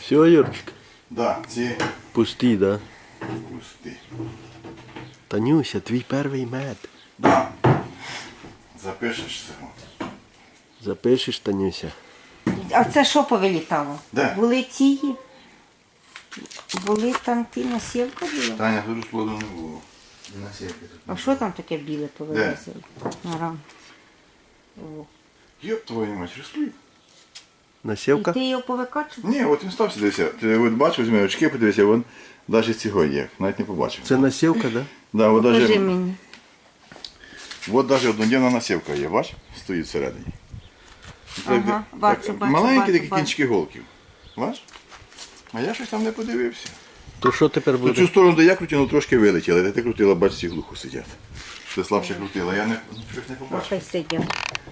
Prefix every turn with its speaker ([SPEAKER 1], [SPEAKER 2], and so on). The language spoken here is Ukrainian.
[SPEAKER 1] Все, Юрчик?
[SPEAKER 2] Да, ці
[SPEAKER 1] Пусті, да?
[SPEAKER 2] пусті.
[SPEAKER 1] Танюся, твій перший мед.
[SPEAKER 2] Да. Запишеш цього.
[SPEAKER 1] Запишеш, Танюся?
[SPEAKER 3] А це що повилітало?
[SPEAKER 2] Де?
[SPEAKER 3] Були ті. Були там ті насівка була?
[SPEAKER 2] Таня, тут плоду не було. І насівки тут.
[SPEAKER 3] А що там таке біле повилазило? Арам. О.
[SPEAKER 2] Йоп, твою мать, ростуть.
[SPEAKER 3] І
[SPEAKER 1] Насівка?
[SPEAKER 3] ти його повикачував?
[SPEAKER 2] Ні, от він стався дивися. Ти от бачив, візьми очки, подивися, він навіть цього є. Навіть не побачив.
[SPEAKER 1] Це насівка, да?
[SPEAKER 2] Да, от
[SPEAKER 3] Покажи
[SPEAKER 2] навіть,
[SPEAKER 3] мені.
[SPEAKER 2] от навіть одноденна насівка є, бач? Стоїть всередині.
[SPEAKER 3] Ага, бачу, бачу,
[SPEAKER 2] Маленькі
[SPEAKER 3] бачу,
[SPEAKER 2] такі
[SPEAKER 3] бачу.
[SPEAKER 2] кінчики голків. Бач? А я щось там не подивився.
[SPEAKER 1] То що тепер
[SPEAKER 2] Ну,
[SPEAKER 1] буде?
[SPEAKER 2] цю сторону, де я крутив, трошки вилетіли. Де ти крутила, бач, ці глухо сидять. Ти слабше крутила, я не, щось не побачив.
[SPEAKER 3] Хай сидять.